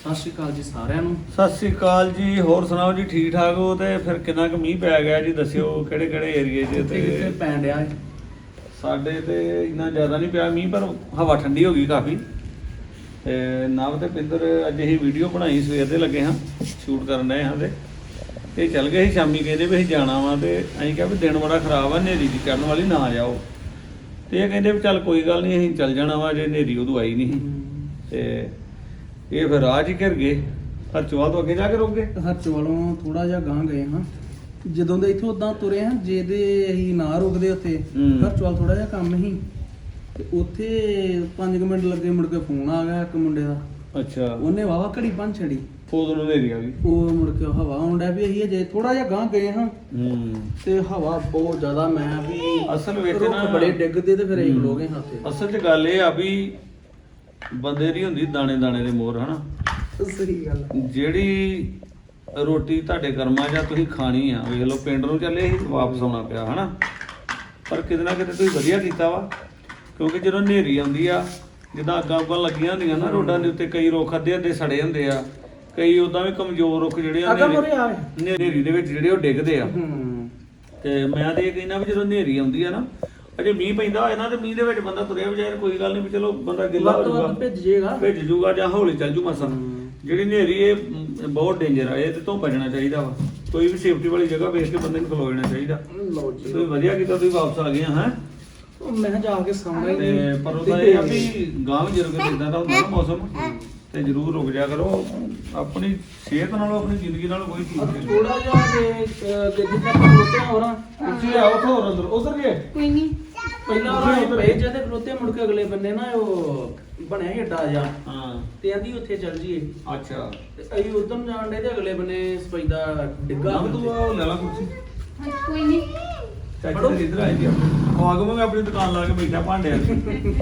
ਸਤਿ ਸ਼੍ਰੀ ਅਕਾਲ ਜੀ ਸਾਰਿਆਂ ਨੂੰ। ਸਤਿ ਸ੍ਰੀ ਅਕਾਲ ਜੀ। ਹੋਰ ਸੁਣਾਓ ਜੀ, ਠੀਕ ਠਾਕ ਹੋ? ਤੇ ਫਿਰ ਕਿੰਨਾ ਕੁ ਮੀਂਹ ਪੈ ਗਿਆ ਜੀ, ਦੱਸਿਓ ਕਿਹੜੇ ਕਿਹੜੇ ਏਰੀਏ 'ਚ? ਕਿੱਥੇ ਤੇ ਪੈਣ ਡਿਆ ਹੈ? ਸਾਡੇ ਤੇ ਇੰਨਾ ਜ਼ਿਆਦਾ ਨਹੀਂ ਪਿਆ ਮੀਂਹ, ਪਰ ਹਵਾ ਠੰਡੀ ਹੋ ਗਈ ਕਾਫੀ। ਤੇ ਨਵ ਤੇ ਪਿੰਦਰ ਅੱਜ ਅਸੀਂ ਵੀਡੀਓ ਬਣਾਈ, ਸਵੇਰ ਦੇ ਲੱਗੇ ਹਾਂ ਸ਼ੂਟ ਕਰਨ ਡਏ ਹਾਂ। ਤੇ ਇਹ ਚੱਲ ਗਏ ਸੀ ਸ਼ਾਮੀ, ਕਹਿੰਦੇ ਵੀ ਅਸੀਂ ਜਾਣਾ ਵਾ। ਤੇ ਅਸੀਂ ਕਿਹਾ ਵੀ ਦਿਨ ਬੜਾ ਖਰਾਬ ਆ, ਹਨੇਰੀ ਦੀ ਚੜ੍ਹਨ ਵਾਲੀ, ਨਾ ਜਾਓ। ਤੇ ਇਹ ਕਹਿੰਦੇ ਵੀ ਚੱਲ ਕੋਈ ਗੱਲ ਨਹੀਂ, ਅਸੀਂ ਚੱਲ ਜਾਣਾ ਵਾ, ਜੇ ਹਨੇਰੀ ਉਦੋਂ ਆਈ ਨਹੀਂ ਸੀ। ਤੇ ਇਹ ਫਿਰ ਰਾਹ 'ਚ ਹੀ ਘਿਰ ਗਏ, ਹਰਚੋਆ ਤੋਂ ਅੱਗੇ ਜਾ ਕੇ ਰੁਕ ਗਏ। ਹਰਚੋਲੋਂ ਥੋੜਾ ਜਿਹਾ ਗਾਂਹ ਗਏ ਹਾਂ। ਜਦੋਂ ਦੇ ਇੱਥੋਂ ਉਦਾਂ ਤੁਰੇ ਹਾਂ, ਜੇ ਦੇ ਅਸੀਂ ਨਾ ਰੁਕਦੇ ਉੱਥੇ, ਹਰਚੋਲ ਥੋੜਾ ਜਿਹਾ ਕੰਮ ਸੀ ਤੇ ਉੱਥੇ 5 ਮਿੰਟ ਲੱਗੇ, ਮੁੜ ਕੇ ਫੋਨ ਆ ਗਿਆ ਇੱਕ ਮੁੰਡੇ ਦਾ। ਅੱਛਾ, ਉਹਨੇ ਵਾਵਾ ਘੜੀ ਭੰਨ ਛੜੀ। ਉਦੋਂ ਹਨੇਰੀ ਆ ਗਈ। ਉਹ ਮੁੜ ਕੇ ਹਵਾ ਆਉਂਦਾ ਵੀ ਅਸੀਂ ਅਜੇ ਥੋੜਾ ਜਿਹਾ ਗਾਂਹ ਗਏ ਹਾਂ ਤੇ ਹਵਾ ਬਹੁਤ ਜ਼ਿਆਦਾ। ਮੈਂ ਵੀ ਅਸਲ ਵਿੱਚ ਰੁੱਖ ਨਾ ਬੜੇ ਡਿੱਗਦੇ ਤੇ ਫਿਰ ਅਸੀਂ ਖਲੋਗੇ ਹਾਂ ਉੱਥੇ। ਅਸਲ 'ਚ ਗੱਲ ਇਹ ਆ ਵੀ ਬੰਦੇ ਦੀ ਹੁੰਦੀ ਦਾਣੇ ਦਾਣੇ ਦੇ ਮੋਹਰ, ਹਨਾ। ਸਹੀ ਗੱਲ। ਜਿਹੜੀ ਰੋਟੀ ਤੁਹਾਡੇ ਕਰਮਾਂ ਜਾਂ ਤੁਸੀਂ ਖਾਣੀ ਆ, ਵੇਖ ਲਓ ਪਿੰਡ ਨੂੰ ਚੱਲੇ ਸੀ, ਵਾਪਸ ਆਉਣਾ ਪਿਆ, ਹਨਾ। ਪਰ ਕਿਤੇ ਨਾ ਕਿਤੇ ਤੁਸੀਂ ਵਧੀਆ ਕੀਤਾ ਵਾ, ਕਿਉਂਕਿ ਜਦੋਂ ਹਨੇਰੀ ਆਉਂਦੀ ਆ, ਜਿੱਦਾਂ ਅੱਗਾਂ ਉੱਗਾਂ ਲੱਗੀਆਂ ਹੁੰਦੀਆਂ ਨਾ ਰੋਡਾਂ ਦੇ ਉੱਤੇ, ਕਈ ਰੁੱਖ ਅੱਧੇ ਅੱਧੇ ਸੜੇ ਹੁੰਦੇ ਆ, ਕਈ ਉਦਾਂ ਵੀ ਕਮਜ਼ੋਰ ਰੁੱਖ ਜਿਹੜੇ ਆ ਹਨੇਰੀ ਦੇ ਵਿੱਚ ਜਿਹੜੇ ਉਹ ਡਿੱਗਦੇ ਆ। ਤੇ ਮੈਂ ਤੇ ਇਹ ਕਹਿੰਦਾ ਵੀ ਜਦੋਂ ਹਨੇਰੀ ਆਉਂਦੀ ਆ ਨਾ, ਅਜੇ ਮੀਂਹ ਪੈਂਦਾ ਹੋਏ ਨਾ, ਤੇ ਮੀਂਹ ਦੇ ਵਿੱਚ ਬੰਦਾ ਤੁਰਿਆ ਵਜਾਏ ਕੋਈ ਗੱਲ ਨਹੀਂ, ਵੀ ਚਲੋ ਬੰਦਾ ਗਿੱਲਾ ਹੋ ਜਾਊਗਾ, ਭਿੱਜ ਜੂਗਾ ਜਾਂ ਹੌਲੀ ਚੱਲ ਜੂ ਮਸਾਂ। ਜਿਹੜੀ ਹਨੇਰੀ ਇਹ ਬਹੁਤ ਡੇਂਜਰ ਆ, ਇਹਦੇ ਤੋਂ ਬਚਣਾ ਚਾਹੀਦਾ ਵਾ। ਕੋਈ ਵੀ ਸੇਫਟੀ ਵਾਲੀ ਜਗ੍ਹਾ ਵੇਖ ਕੇ ਬੰਦੇ ਨੂੰ ਖਲੋ ਜਾਣਾ ਚਾਹੀਦਾ। ਤੁਸੀਂ ਵਧੀਆ ਕੀਤਾ, ਤੁਸੀਂ ਵਾਪਸ ਆ ਗਏ ਹੈ। ਮੈਂ ਜਾ ਕੇ ਸੌਣਾ ਹੀ ਤੇ ਪਰ ਉਹਦਾ ਇਹ ਆ ਵੀ ਗਾਂਵ ਜਰੂਰ ਜਿੱਦਾਂ ਦਾ ਹੁੰਦਾ ਨਾ ਮੌਸਮ, ਤੇ ਜ਼ਰੂਰ ਰੁਕ ਜਾ ਕਰੋ। ਆਪਣੀ ਸਿਹਤ ਨਾਲੋਂ, ਆਪਣੀ ਜ਼ਿੰਦਗੀ ਨਾਲੋਂ ਕੋਈ ਚੀਜ਼ ਨਹੀਂ। ਥੋੜਾ ਜਿਹਾ ਜਿੱਦਾਂ ਖਲੋਤੇ ਹੋਰਾਂ ਪਿੱਛੇ ਆਓ, ਹੋਰ ਅੰਦਰ ਉਧਰ ਗਏ ਕੋਈ ਨਹੀਂ। ਪਹਿਲਾਂ ਉਹ ਪਏ ਜਦੇ ਖਲੋਤੇ, ਮੁੜ ਕੇ ਅਗਲੇ ਬੰਨੇ ਨਾ ਉਹ ਬਣਿਆ ਸੀ ਅੱਡਾ ਜਾ। ਹਾਂ, ਤੇ ਆਂਦੀ ਉੱਥੇ ਚੱਲ ਜੀਏ। ਅੱਛਾ, ਤੇ ਅਸੀਂ ਉਧਰ ਨੂੰ ਜਾਣ ਡੇ ਤੇ ਅਗਲੇ ਬੰਨੇ ਸਪੈਦਾ ਡਿੱਗਾ। ਤੂੰ ਆ ਲੈ ਲਾ ਕੁਰਸੀ। ਕੋਈ ਨਹੀਂ। ਚਾਚੀ ਤੇ ਇੱਧਰ ਆਈ ਜੀ। ਉਹ ਆਗੂ ਮੈਂ ਆਪਣੀ ਦੁਕਾਨ ਲਾ ਕੇ ਬੈਠਾ ਭਾਂਡਿਆਂ ਦੀ।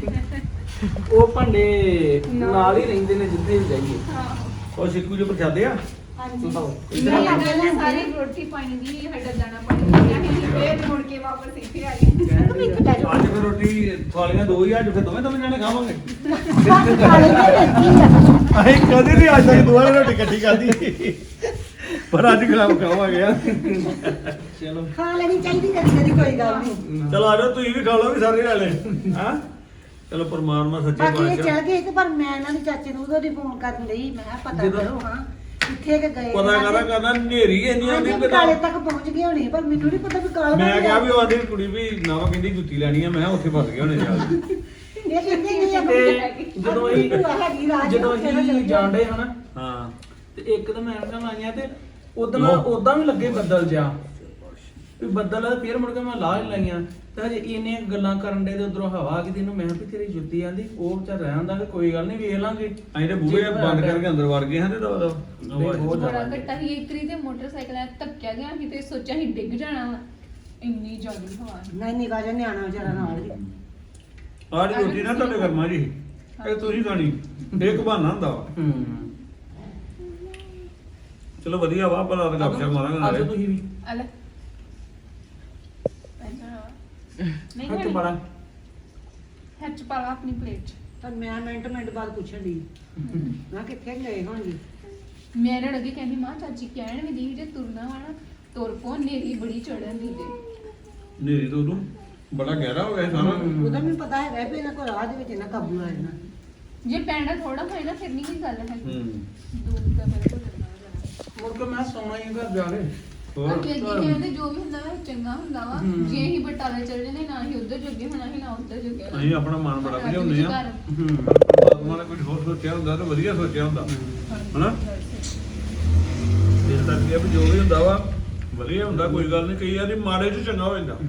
ਉਹ ਭਾਂਡੇ ਨਾਲ ਹੀ ਰਹਿੰਦੇ ਨੇ ਜਿੱਥੇ ਵੀ ਜਾਈਏ। ਉਹ ਸਿੱਕੂ ਜੋ ਪ੍ਰਸ਼ਾਦੇ ਆ। ਹਾਂਜੀ। ਮੈਂ ਲੱਗਦਾ ਸਾਰੀ ਰੋਟੀ ਪਾਣੀ ਦੀ ਹੱਡਾ ਦਾਣਾ ਪਾਣੀ ਲਿਆ ਹੈ, ਫੇਰ ਮੁੜ ਕੇ ਵਾਪਸ ਇੱਥੇ ਆ ਗਏ। ਅੱਜ ਫਿਰ ਰੋਟੀ ਥਾਲੀਆਂ ਦੋ ਹੀ, ਅੱਜ ਫਿਰ ਦੋਵੇਂ ਜਾਣੇ ਖਾਵਾਂਗੇ। ਅਸੀਂ ਕਦੇ ਨਹੀਂ ਅੱਜ ਤੱਕ ਦੋਵਾਂ ਨੇ ਰੋਟੀ ਇਕੱਠੀ ਖਾਧੀ, ਪਰ ਅੱਜ ਖਾਵਾਂਗੇ। ਚਲੋ ਖਾ ਲੈਣੀ ਚਾਹੀਦੀ ਕਦੀ ਕੋਈ ਗੱਲ ਨਹੀਂ। ਚਲੋ ਆ ਜਾਓ, ਤੁਸੀਂ ਵੀ ਖਾ ਲਓ, ਵੀ ਸਾਰੇ ਨਾਲੇ। ਹਾਂ ਚਲੋ, ਪਰਮਾਤਮਾ ਸੱਚੇ ਬਾਕੀ ਇਹ ਪਾਤਸ਼ਾਹ। ਚਲ ਗਏ ਤੇ ਪਰ ਮੈਂ ਇਹਨਾਂ ਦੇ ਚਾਚੇ ਨੂੰ ਉਹਦੀ ਫੋਨ ਕਰਨ ਲਈ, ਮੈਂ ਕਿਹਾ ਪਤਾ ਕਰੋ ਹਾਂ ਕਿੱਥੇ ਕਿ ਗਏ। ਪਤਾ ਕਰਨਾ ਹਨੇਰੀ ਇੰਨੀ ਆਉਂਦੀ ਹਾਂਜੀ, ਕਾਲੇ ਤੱਕ ਪਹੁੰਚ ਗਏ ਹੋਣੇ, ਪਰ ਮੈਨੂੰ ਨਹੀਂ ਪਤਾ ਵੀ ਕਾਲਾ। ਮੈਂ ਕਿਹਾ ਵੀ ਉਹ ਆਂਦੀ ਕੁੜੀ ਵੀ ਨਾ ਕਹਿੰਦੀ ਜੁੱਤੀ ਲੈਣੀ ਆ, ਮੈਂ ਕਿਹਾ ਉੱਥੇ ਫਸ ਗਏ ਹੋਣੇ ਜਾ ਕੇ। ਇਹ ਕਹਿੰਦੇ ਨਹੀਂ ਤੇ ਜਦੋਂ ਅਸੀਂ ਜਾਂਦੇ ਹਨਾ, ਹਾਂ, ਤੇ ਇੱਕ ਤਾਂ ਮੈਂ ਇਹਨਾਂ ਲਾਈਆਂ ਤੇ ਉਦਾਂ ਵੀ ਲੱਗੇ ਬੱਦਲ ਜਿਹਾ, ਵੀ ਬੱਦਲ ਫੇਰ ਮੁੜ ਕੇ ਮੈਂ ਲਾਹ ਲਾਈਆਂ। ਤੇ ਹਜੇ ਇਹਨੇ ਗੱਲਾਂ ਕਰਨ ਦੇ ਤੇ ਉਧਰੋਂ ਹਵਾ ਆ ਗਈ, ਤੇ ਇਹਨੂੰ ਮੈਂ ਕਿਹਾ ਵੀ ਤੇਰੀ ਜੁੱਤੀ ਆਂਦੀ ਉਹ ਵਿਚਾਰ ਰਹਿ ਹੁੰਦਾ ਕਿ ਕੋਈ ਗੱਲ ਨਹੀਂ ਵੇਖ ਲਾਂਗੇ। ਅਸੀਂ ਤੇ ਬੂਹੇ ਬੰਦ ਕਰਕੇ ਅੰਦਰ ਵੜ ਗਏ ਹਾਂ। ਤੇ ਬਹੁਤ ਬੜਾ ਜ਼ਿਆਦਾ ਘੱਟਾ ਹੀ ਇਕਰੀ ਤੇ ਮੋਟਰਸਾਈਕਲ ਆ ਧੱਕਿਆ ਗਿਆ, ਕਿਤੇ ਸੋਚਿਆ ਸੀ ਡਿੱਗ ਜਾਣਾ ਵਾ, ਇੰਨੀ ਜ਼ਿਆਦਾ ਹਵਾ ਸੀ। ਨਹੀਂ ਨਿਕਾ ਜਾ ਨਿਆਣਾ ਵਿਚਾਰਾ ਨਾਲ ਹੀ। ਆਹ ਰੋਟੀ ਨਾ ਤੁਹਾਡੇ ਕਰਮਾਂ ਜੀ, ਇਹ ਤੁਸੀਂ ਖਾਣੀ, ਇੱਕ ਬਹਾਨਾ ਹੁੰਦਾ ਵਾ। ਚਲੋ ਵਧੀਆ ਵਾ, ਭਲਾ ਤਾਂ ਗੱਪ ਸ਼ਪ ਮਾਰਾਂਗੇ ਅੱਜ ਨਾਲੇ। ਤੁਸੀਂ ਵੀ ਅਲੇ ਨਹੀਂ ਹੱਥ ਬੜਾ ਹੱਥ ਪਾ ਲਾ ਆਪਣੀ ਪਲੇਟ 'ਚ। ਪਰ ਮੈਂ ਮਿੰਟ ਬਾਅਦ ਪੁੱਛਣ ਦੀ ਮੈਂ ਕਿੱਥੇ ਗਏ ਹੋਣਗੇ। ਮੈਂ ਇਹਨਾਂ ਨੂੰ ਅੱਗੇ ਕਹਿੰਦੀ ਮਾਂ ਚਾਚੀ ਕਹਿਣ ਵੀ ਦੀ ਜੇ ਤੁਰਨਾ ਵਾ ਨਾ ਤੁਰ ਪੋ, ਨੇਰੀ ਬੜੀ ਚੜਨ ਦੀ ਤੇ ਨੇਰੀ ਤੋਂ ਉਦੋਂ ਬੜਾ ਗਹਿਰਾ ਹੋ ਗਿਆ ਸਾਰਾ। ਉਹਦਾ ਮੈਨੂੰ ਪਤਾ ਹੈਗਾ ਵੀ ਇਹਨਾਂ ਕੋਲ ਰਾਹ ਦੇ ਵਿੱਚ ਇਹਨਾਂ ਕਾਬੂ ਆ ਜਾਣਾ। ਜੇ ਪੈਂਡਾ ਥੋੜਾ ਹੋਏ ਨਾ ਫਿਰ ਨਹੀਂ ਕੀ ਗੱਲ ਹੈ। ਦੂਰ ਦਾ ਬਿਲਕੁਲ ਨਾ ਮੁੜ ਕੇ ਮੈਂ ਸੌਣਾ ਹੀ ਘਰ ਜਾ ਕੇ। ਹੋਰ ਅੱਗੇ ਕਹਿੰਦੇ ਜੋ ਵੀ ਹੁੰਦਾ ਵਾ ਚੰਗਾ ਹੁੰਦਾ ਵਾ। ਜੇ ਅਸੀਂ ਬਟਾਲੇ ਚਲੇ ਜਾਂਦੇ, ਨਾ ਹੀ ਉੱਧਰ ਜੋਗੇ ਹੋਣਾ ਸੀ, ਨਾ ਉੱਧਰ ਜੋਗੇ ਹੋਣਾ। ਅਸੀਂ ਆਪਣਾ ਮਨ ਬੜਾ ਭਜਾਉਂਦੇ ਆ। ਹੂੰ ਪਰਮਾਤਮਾ ਨੇ ਕੁਝ ਹੋਰ ਸੋਚਿਆ ਹੁੰਦਾ ਤੇ ਵਧੀਆ ਸੋਚਿਆ ਹੁੰਦਾ, ਹਨਾ। ਇਸ ਕਰਕੇ ਵੀ ਜੋ ਵੀ ਹੁੰਦਾ ਵਾ ਵਧੀਆ ਹੁੰਦਾ, ਕੋਈ ਗੱਲ ਨਹੀਂ। ਕਈ ਵਾਰੀ ਮਾੜੇ 'ਚ ਚੰਗਾ ਹੋ ਜਾਂਦਾ।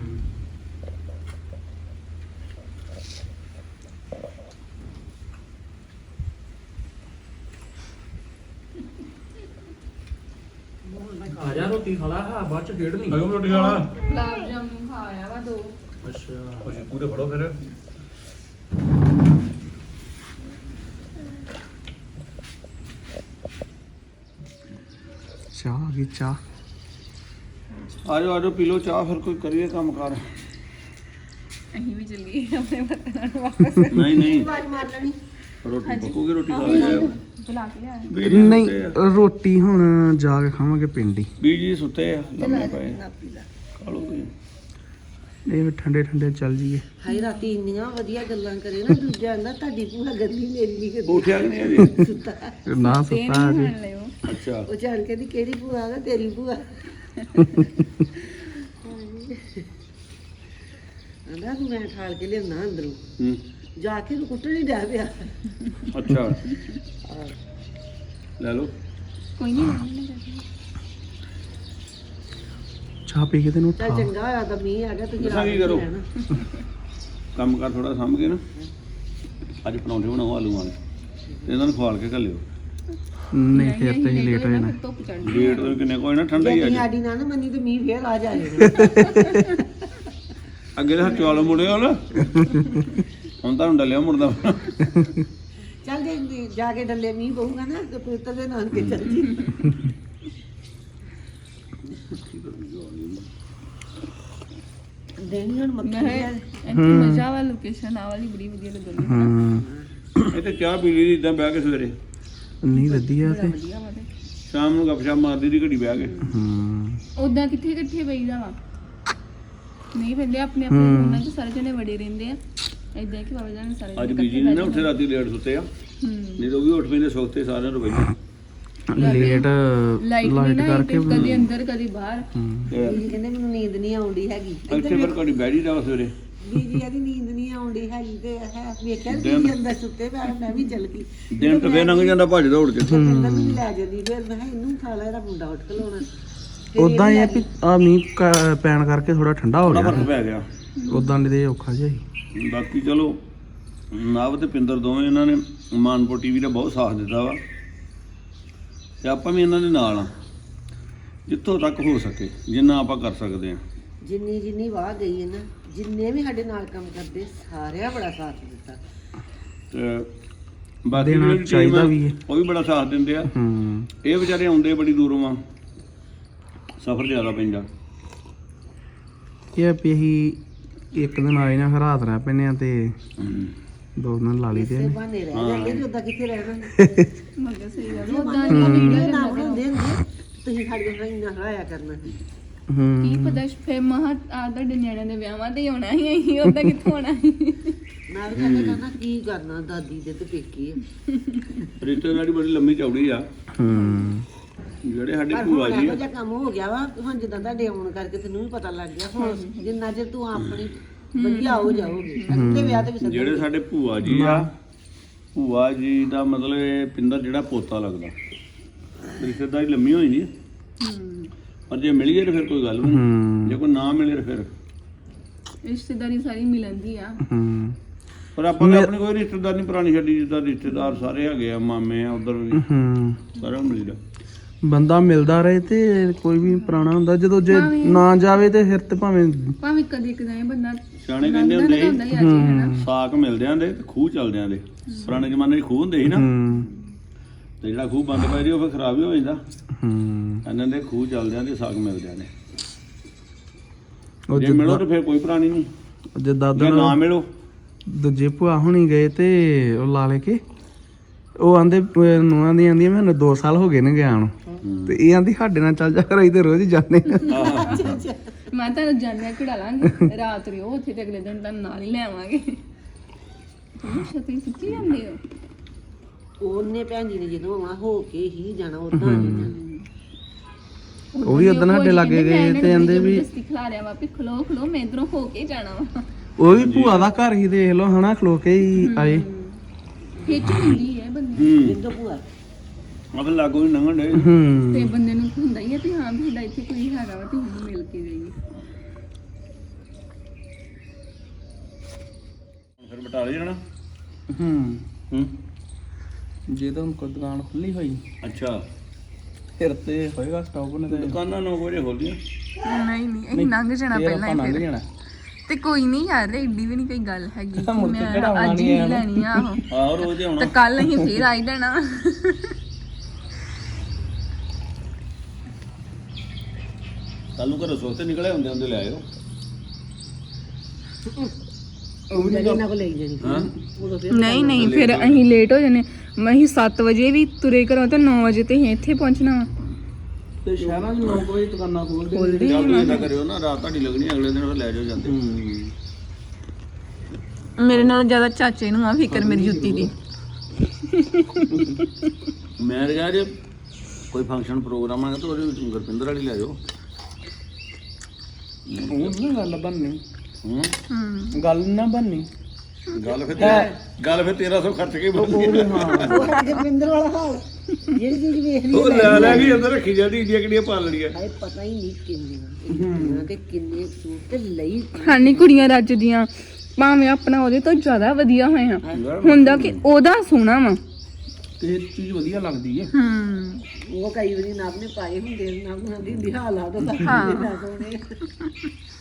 ਆ ਜਾ ਰੋਟੀ ਖਾ ਲਾ, ਹਾਂ ਬਾਅਦ ਚ ਖੇਡ ਨਹੀਂ। ਅਗਮ ਰੋਟੀ ਖਾਣਾ। ਗੁਲਾਬ ਜਾਮੁਨ ਖਾ ਆਇਆ ਵਾ 2। ਅੱਛਾ ਅਸੀਂ ਪੂਰੇ ਫੜੋ ਫਿਰ। ਚਾਹ ਆ ਗਈ ਚਾਹ। ਆਜੋ ਪੀ ਲਓ ਚਾਹ, ਫਿਰ ਕੋਈ ਕਰੀਏ ਕੰਮ ਕਾਰ। ਅਸੀਂ ਵੀ ਚੱਲੀਏ ਆਪਣੇ ਵਤਨਾਂ ਨੂੰ ਵਾਪਸ। ਨਹੀਂ ਆਵਾਜ਼ ਮਾਰ ਲੈਣੀ। ਰੋਟੀ ਪੱਕੂਗੀ, ਰੋਟੀ ਖਾ ਲਿਆ। ਬੁਲਾ ਕੇ ਲਿਆ ਬੀਜੀ ਨਹੀਂ ਸੁੱਤੇ ਆ। ਰੋਟੀ ਹੁਣ ਜਾ ਕੇ ਖਾਵਾਂਗੇ ਪਿੰਡ ਹੀ। ਬੀਜੀ ਸੁੱਤੇ ਆ ਲੰਮੇ ਪਏ ਖਾ ਲਓ ਤੁਸੀਂ। ਇਹ ਵੀ ਠੰਡੇ ਠੰਡੇ ਚੱਲ ਜੀਏ। ਹਾਈ ਰਾਤੀ ਇੰਨੀਆਂ ਵਧੀਆ ਗੱਲਾਂ ਕਰੇ ਨਾ ਦੂਜਾ ਆਂਦਾ ਤੁਹਾਡੀ ਭੂਆ ਗੱਲੀ ਮੇਰੀ ਨਹੀਂ ਕਰਦੀ ਉੱਠਿਆ ਕਿ ਨਹੀਂ ਅਜੇ ਸੁੱਤਾ ਨਾ ਸੁੱਤਾ ਜੀ। ਅੱਛਾ ਉਹ ਜਾਣ ਕੇ ਦੀ ਕਿਹੜੀ ਭੂਆ ਆ ਤੇਰੀ ਭੂਆ ਆਂਦਾ ਮੈਂ ਠਾਲ ਕੇ ਲਿਆਉਣਾ ਅੰਦਰੋਂ ਹੂੰ ਜਾ ਕੇ ਨੂੰ ਕੁੱਟਣ ਹੀ ਡਿਆ ਪਿਆ ਅੱਛਾ ਲੈ ਲਓ ਕੋਈ ਨਹੀਂ ਚਾਹ ਪੀ ਕੇ ਤੈਨੂੰ ਚੱਲ ਉਠਾ। ਚੰਗਾ ਹੋਇਆ ਤਾਂ ਮੀਂਹ ਆ ਗਿਆ ਤੁਸੀਂ ਦੱਸਾਂ ਕੀ ਕਰੋ? ਕੰਮ ਕਰ ਥੋੜਾ ਸਾਂਭ ਕੇ ਨਾ ਅੱਜ ਪਰੌਂਠੇ ਬਣਾਓ ਆਲੂ ਵਾਲੇ ਤੇ ਇਹਨਾਂ ਨੂੰ ਖਵਾਲ ਕੇ ਘੱਲਿਓ। ਨਹੀਂ ਫਿਰ ਤੇ ਹੀ ਲੇਟ ਹੋ ਜਾਣਾ। ਧੁੱਪ ਚੜ੍ਹਨੀ ਲੇਟ ਤੋਂ ਕਿੰਨੇ ਕੋਈ ਨਾ ਠੰਡਾ ਹੀ ਜੇ ਅੱਜ ਸਾਡੀ ਨਾ ਨਾ ਮੰਨੀ ਤੇ ਮੀਂਹ ਫੇਰ ਆ ਜਾਏਗਾ ਅੱਗੇ ਤਾਂ ਚੌਲ ਮੁੜੇ ਹੋ ਨਾ ਹੁਣ ਤਾਂ ਡੱਲਿਆ ਮੁੜਦਾ ਚੱਲ ਜੇ ਜਾ ਕੇ ਡੱਲੇ ਮੀਂਹ ਪਊਗਾ ਨਾ ਤੇ ਪੁੱਤਰ ਦੇ ਨਾਲ ਕੇ ਚੱਲ ਜੀ ਦੇਣੀ ਹੁਣ ਮੱਖੀ ਮੈਂ ਲਿਆ ਇੱਥੇ ਮਜ਼ਾ ਵਾਲੀ ਲੋਕੇਸ਼ਨ ਆ ਵਾਲੀ ਬੜੀ ਵਧੀਆ ਲੱਗਦੀ ਹਾਂ ਇਹ ਤੇ ਚਾਹ ਪੀ ਲਈ ਇਦਾਂ ਬਹਿ ਕੇ ਸਵੇਰੇ ਨਹੀਂ ਵਧੀਆ ਤੇ ਵਧੀਆ ਵਾ ਤੇ ਸ਼ਾਮ ਨੂੰ ਗੱਪਸ਼ਪ ਮਾਰਦੀ ਦੀ ਘੜੀ ਬਹਿ ਕੇ ਹਾਂ ਉਦਾਂ ਕਿੱਥੇ ਇਕੱਠੇ ਬਈਦਾ ਵਾ ਨਹੀਂ ਬੰਦੇ ਆਪਣੇ ਆਪਣੇ ਉਹਨਾਂ ਚ ਸਾਰੇ ਜਣੇ ਵੜੇ ਰਹਿੰਦੇ ਆ ਏਦਾਂ ਕਿ ਬਾਬਾ ਜਾਨ ਸਾਰੇ ਅੱਜ ਬੀਜੀ ਨੇ ਨਾ ਉੱਥੇ ਰਾਤੀ ਲੇਟ ਸੁੱਤੇ ਆ ਨਹੀਂ ਤਾਂ ਉਹ ਵੀ ਉੱਠ ਪੈਂਦੇ ਸੁੱਤੇ ਸਾਰਿਆਂ ਨੂੰ ਬੈਠੇ ਲੇਟ ਲਾਈਟ ਲਾਈਟ ਕਰਕੇ ਕਦੀ ਅੰਦਰ ਕਦੀ ਬਾਹਰ ਬੀਜੀ ਕਹਿੰਦੇ ਮੈਨੂੰ ਨੀਂਦ ਨਹੀਂ ਆਉਂਦੀ ਹੈਗੀ ਇੱਥੇ ਫਿਰ ਘੜੀ ਬਹਿ ਜੀਦਾ ਵਾ ਸਵੇਰੇ ਬੀਜੀ ਕਹਿੰਦੀ ਨੀਂਦ ਨਹੀਂ ਆਉਂਦੀ ਹੈਗੀ ਤੇ ਹੈ ਵੇਖਿਆ ਬੀਜੀ ਅੰਦਰ ਸੁੱਤੇ ਪਿਆ ਮੈਂ ਵੀ ਚੱਲ ਗਈ ਦਿਨ ਤਾਂ ਫੇਰ ਲੰਘ ਜਾਂਦਾ ਭੱਜ ਦੌੜ ਕੇ ਕਹਿੰਦਾ ਮੈਨੂੰ ਲੈ ਜਾਂਦੀ ਫਿਰ ਮੈਂ ਕਿਹਾ ਇਹਨੂੰ ਖਾ ਲੈ ਇਹਦਾ ਮੁੰਡਾ ਉੱਠ ਖਲੋਣਾ ਉਦਾਂ ਹੀ ਆ ਵੀ ਆ ਮੀਂਹ ਪੈਣ ਕਰਕੇ ਥੋੜਾ ਠੰਡਾ ਹੋ ਬੜਾ ਗਿਆ ਫਰਕ ਪੈ ਗਿਆ ਉਦਾਂ ਨਹੀਂ ਤੇ ਔਖਾ ਜਿਹਾ ਸੀ। ਬਾਕੀ ਚਲੋ ਨਵ ਤੇ ਪਿੰਦਰ ਦੋਵੇਂ ਇਹਨਾਂ ਨੇ ਮਾਨਪੁਰ ਟੀਵੀ ਦਾ ਬਹੁਤ ਸਾਥ ਦਿੱਤਾ ਵਾ ਤੇ ਆਪਾਂ ਵੀ ਇਹਨਾਂ ਦੇ ਨਾਲ ਆ ਜਿੱਥੋਂ ਤੱਕ ਹੋ ਸਕੇ ਜਿੰਨਾ ਆਪਾਂ ਕਰ ਸਕਦੇ ਆ ਜਿੰਨੀ ਵਾਹ ਗਈ ਹੈ ਨਾ ਜਿੰਨੇ ਵੀ ਸਾਡੇ ਨਾਲ ਕੰਮ ਕਰਦੇ ਸਾਰਿਆਂ ਬੜਾ ਸਾਥ ਦਿੱਤਾ ਤੇ ਬਾਕੀ ਦੇਣਾ ਜਿਹੜੀ team ਚਾਹੀਦਾ ਆ, ਵੀ ਹੈ। ਉਹ ਵੀ ਬੜਾ ਸਾਥ ਦਿੰਦੇ ਆ ਇਹ ਵਿਚਾਰੇ ਆਉਂਦੇ ਬੜੀ ਦੂਰੋਂ ਆ ਸਫ਼ਰ ਜ਼ਿਆਦਾ ਪੈਂਦਾ ਇਹ ਆ ਵੀ ਅਸੀਂ ਇੱਕ ਦਿਨ ਆਏ ਨਾ ਫਿਰ ਰਾਤ ਰਹਿ ਪੈਨੇ ਆ ਤੇ ਦੋ ਦਿਨ ਲਾ ਲਈ ਇਸੇ ਤੇ ਬਹਾਨੇ ਰਹਿ ਜਾਂਦੇ ਤੇ ਉਦਾਂ ਕਿੱਥੇ ਰਹਿਣਾ ਮਗਰ ਸਹੀ ਗੱਲ ਜੇ ਉਦਾਂ ਵੀਡੀਓ ਨਾ ਬਣਾਉਂਦੇ ਹੁੰਦੇ ਤੁਸੀਂ ਸਾਡੇ ਨਾਲ ਇੰਨਾ ਹਰਾਇਆ ਕਰਨਾ ਸੀ ਕੀ ਪਤਾ ਫੇ ਮਹਾ ਆ ਤੁਹਾਡੇ ਨਿਆਣਿਆਂ ਦੇ ਵਿਆਹਾਂ ਤੇ ਹੀ ਆਉਣਾ ਹੀ ਅਸੀਂ ਉਦਾਂ ਕਿੱਥੋਂ ਆਉਣਾ ਸੀ ਮੈਂ ਵੀ ਕਹਿੰਦਾ ਕਰਨਾ ਕੀ ਕਰਨਾ ਦਾਦੀ ਦੇ ਤੇ ਪੇਕੀ ਆ ਰਿਸ਼ਤੇਦਾਰੀ ਬੜੀ ਲੰਮੀ ਚੌੜੀ ਆ ਜਿਹੜੇ ਸਾਡੇ ਪਰ ਭੂਆ ਹੁਣ ਜੀ ਇਹੋ ਆ ਜਿਹਾ ਕੰਮ ਹੋ ਗਿਆ ਵਾ ਹੁਣ ਜਿੱਦਾਂ ਤੁਹਾਡੇ ਆਉਣ ਕਰਕੇ ਤੈਨੂੰ ਵੀ ਪਤਾ ਲੱਗ ਗਿਆ ਹੁਣ ਜਿੰਨਾ ਚਿਰ ਤੂੰ ਆਪਣੀ ਵਧੀਆ ਹੋ ਜਾਓਗੇ ਅੱਗੇ ਵਿਆਹ ਤੇ ਵੀ ਸੱਦਣਗੇ। ਜਿਹੜੇ ਸਾਡੇ ਭੂਆ ਜੀ ਆ ਭੂਆ ਜੀ ਦਾ ਮਤਲਬ ਇਹ ਪਿੰਦਰ ਜਿਹੜਾ ਪੋਤਾ ਲੱਗਦਾ ਰਿਸ਼ਤੇਦਾਰੀ ਲੰਮੀ ਹੋਈ ਨਹੀਂ ਪਰ ਜੇ ਮਿਲ ਗਏ ਤਾਂ ਫਿਰ ਕੋਈ ਗੱਲ ਨਹੀਂ ਜੇ ਕੋਈ ਨਾ ਮਿਲੇ ਤਾਂ ਫਿਰ ਰਿਸ਼ਤੇਦਾਰੀ ਸਾਰੀ ਮਿਲਦੀ ਆ ਪਰ ਆਪਾਂ ਨੇ ਆਪਣੀ ਕੋਈ ਰਿਸ਼ਤੇਦਾਰ ਨਹੀਂ ਪੁਰਾਣੀ ਛੱਡੀ ਜਿੱਦਾਂ ਰਿਸ਼ਤੇਦਾਰ ਸਾਰੇ ਹੈਗੇ ਆ ਮਾਮੇ ਆ ਉਧਰ ਵੀ ਸਾਰਿਆਂ ਨੂੰ ਮਿਲਦਾ ਬੰਦਾ ਮਿਲਦਾ ਰਹੇ ਤੇ ਕੋਈ ਵੀ ਪੁਰਾਣਾ ਹੁੰਦਾ ਜਦੋਂ ਜੇ ਨਾ ਜਾਵੇ ਤੇ ਫਿਰ ਤੇ ਭਾਵੇਂ ਕਦੇ ਕਦਾਏ ਬੰਦਾ ਸਿਆਣੇ ਕਹਿੰਦੇ ਹੁੰਦੇ ਸੀ ਹੁੰਦਾ ਹੀ ਅੱਜ ਹਨਾ ਸਾਕ ਮਿਲਦੇ ਆਂਦੇ ਤੇ ਖੂਹ ਚੱਲਦੇ ਆਂਦੇ ਪੁਰਾਣੇ ਜ਼ਮਾਨੇ 'ਚ ਖੂਹ ਹੁੰਦੇ ਸੀ ਨਾ ਤੇ ਜਿਹੜਾ ਖੂਹ ਬੰਦ ਪੈ ਰਿਹਾ ਉਹ ਫਿਰ ਖਰਾਬ ਹੀ ਹੋ ਜਾਂਦਾ ਇਹਨਾਂ ਦੇ ਖੂਹ ਚੱਲਦੇ ਆਂਦੇ ਸਾਕ ਮਿਲਦੇ ਆਂਦੇ ਜੇ ਮਿਲੋ ਤਾਂ ਫਿਰ ਕੋਈ ਪੁਰਾਣੀ ਨਹੀਂ ਜੇ ਦਾਦਾ ਜੇ ਨਾ ਮਿਲੋ ਦੂਜੇ ਭੂਆ ਹੁਣੀ ਗਏ ਤੇ ਉਹ ਲਾ ਲੈ ਕੇ ਉਹ ਆਂਦੇ ਨੂੰਹਾਂ ਦੀ ਆਂਦੀਆਂ ਮੈਨੂੰ 2 ਸਾਲ ਹੋ ਗਏ ਨੇ ਗਿਆ ਨੂੰ ਤੇ ਇਹ ਆਂਦੀ ਸਾਡੇ ਨਾਲ ਚੱਲ ਜਾ ਕਰ ਤੇ ਰੋਜ਼ ਹੀ ਜਾਂਦੇ ਆ। ਮੈਂ ਤਾਂ ਜਾਣਿਆ ਘੜਾ ਲਾਂਗੇ ਰਾਤ ਰਿਓ ਉੱਥੇ ਤੇ ਅਗਲੇ ਦਿਨ ਤਾਂ ਨਾਲ ਹੀ ਲੈ ਆਵਾਂਗੇ ਤੁਸੀਂ ਸੱਚੀ ਜਾਂਦੇ ਹੋ ਉਹਨੇ ਭੈਣ ਜੀ ਨੇ ਜਦੋਂ ਆਉਣਾ ਹੋ ਕੇ ਹੀ ਜਾਣਾ ਉਦਾਂ ਨਹੀਂ ਜਾਣਾ ਉਹ ਵੀ ਉਦੋਂ ਸਾਡੇ ਲਾਗੇ ਗਏ ਤੇ ਆਂਦੇ ਵੀ ਖਿਲਾ ਰਿਆ ਵਾ ਵੀ ਖਲੋ ਖਲੋ ਮੈਂ ਇਧਰੋਂ ਹੋ ਕੇ ਜਾਣਾ ਵਾ ਉਹ ਵੀ ਭੂਆ ਦਾ ਘਰ ਹੀ ਦੇਖ ਲਓ ਹਨਾ ਖਲੋ ਕੇ ਹੀ ਆਏ ਖਿੱਚ ਹੁੰਦੀ ਹੈ ਬੰਦੇ ਜਿੰਦੋ ਭੂਆ ਆ ਫਿਰ ਲਾਗੋ ਨਹੀਂ ਲੰਘਣ ਡੇ ਤੇ ਬੰਦੇ ਨੂੰ ਹੁੰਦਾ ਹੀ ਹੈ ਵੀ ਹਾਂ ਵੀ ਸਾਡਾ ਇੱਥੇ ਕੋਈ ਹੈਗਾ ਵਾ ਤੇ ਉਹਨੂੰ ਮਿਲ ਕੇ ਜਾਈਏ ਫਿਰ ਬਟਾਲੇ ਜਾਣਾ ਹੂੰ ਜੇ ਤਾਂ ਹੁਣ ਕੋਈ ਦੁਕਾਨ ਖੁੱਲੀ ਹੋਈ ਅੱਛਾ ਫਿਰ ਤੇ ਹੋਏਗਾ ਸਟਾਪ ਨੇ ਤੇ ਦੁਕਾਨਾਂ 9 ਵਜੇ ਖੋਲਦੀਆਂ ਨਹੀਂ ਨਹੀਂ ਇਹ ਲੰਘ ਜਾਣਾ ਪਹਿਲਾਂ ਹੀ ਲੰਘ ਫਿਰ ਜਾਣਾ ਤੇ ਕੋਈ ਨਹੀਂ ਯਾਰ ਏਡੀ ਵੀ ਨਹੀਂ ਕੋਈ ਗੱਲ ਹੈਗੀ ਕਿ ਮੁੜ ਕੇ ਮੈਂ ਕਢਾਉਣਾ ਅੱਜ ਹੀ ਨਹੀਂ ਹੈ ਲੈਣੀ ਆ ਉਹ ਆਹੋ ਰੋਜ਼ ਹੀ ਤੇ ਆਉਣਾ ਕੱਲ ਅਸੀਂ ਫੇਰ ਆਈ ਜਾਣਾ ਕੱਲ ਨੂੰ ਘਰੋਂ ਸੋਤੇ ਨਿਕਲੇ ਹੁੰਦੇ ਹੁੰਦੇ ਲੈ ਆਇਓ ਉਹ ਵੀ ਇਹਨਾਂ ਕੋਲ ਲੈ ਜਾਣੀ ਹਾਂ ਉਦੋਂ ਫਿਰ ਨਹੀਂ ਨਹੀਂ ਫਿਰ ਅਸੀਂ ਲੇਟ ਹੋ ਜਾਣੇ ਮੈਂ ਹੀ 7 ਵਜੇ ਵੀ ਤੁਰੇ ਘਰੋਂ ਤੇ 9 ਵਜੇ ਤੇ ਅਸੀਂ ਇੱਥੇ ਪਹੁੰਚਣਾ ਵਾ ਤੇ ਸ਼ਹਿਰਾਂ 'ਚ 9 ਵਜੇ ਦੁਕਾਨਾਂ ਖੋਲਦੇ ਖੋਲਦੇ ਜਾਂ ਤੁਸੀਂ ਏਦਾਂ ਕਰਿਓ ਨਾ, ਰਾਤ ਤੁਹਾਡੀ ਲੱਗਣੀ, ਅਗਲੇ ਦਿਨ ਫਿਰ ਲੈ ਜਾਓ ਜਾਂਦੇ। ਮੇਰੇ ਨਾਲ ਜ਼ਿਆਦਾ ਚਾਚੇ ਨੂੰ ਆ ਫਿਕਰ ਮੇਰੀ ਜੁੱਤੀ ਦੀ। ਮੈਂ ਕਿਹਾ ਜੇ ਕੋਈ ਫੰਕਸ਼ਨ ਪ੍ਰੋਗਰਾਮ ਆਗਾ ਤਾਂ ਉਹਦੇ ਵਿੱਚ ਗੁਰਪਿੰਦਰ ਵਾਲੀ ਲੈ ਜਾਓ। ਉਹ ਨਾ ਗੱਲ ਬਣਨੀ, ਹੂੰ ਗੱਲ ਨਾ ਬਣਨੀ। ਗੱਲ ਫਿਰ 1300 ਖਰਚ ਕੇ ਬਣਦੀ ਉਹ ਹੈ। ਹਾਂ ਉਹ ਸਾਡੇ ਪਿੰਦਰ ਵਾਲਾ ਹਾਲ, ਜਿਹੜੀ ਚੀਜ਼ ਵੇਖ ਲਈ ਉਹ ਲੈ ਕੇ ਅੰਦਰ ਰੱਖੀ ਜਾਂਦੀ, ਇੰਡੀਆਂ ਕਿਹੜੀਆਂ ਪਾਲ ਲੜੀਆਂ। ਹਾਏ ਪਤਾ ਹੀ ਨਹੀਂ ਕਿੰਨੇ ਤੇ ਕਿੰਨੇ ਸੂਟ ਤੇ ਲਈ ਹਾਨੀ ਕੁੜੀਆਂ ਰੱਜਦੀਆਂ ਭਾਵੇਂ ਆਪਣਾ ਉਹਦੇ ਤੋਂ ਜ਼ਿਆਦਾ ਵਧੀਆ ਹੋਇਆ ਹੁੰਦਾ ਕਿ ਉਹਦਾ ਸੋਹਣਾ ਵਾ। ਤੇ ਚੀਜ਼ ਵਧੀਆ ਲੱਗਦੀ ਹੈ। ਉਹ ਕਈ ਵਾਰੀ ਨਵ ਨੇ ਪਾਏ ਹੁੰਦੇ, ਨਵ ਹੁੰਦੀ ਹਾਲਾਤ ਤਾਂ ਹਾਂ। ਸੋਹਣੇ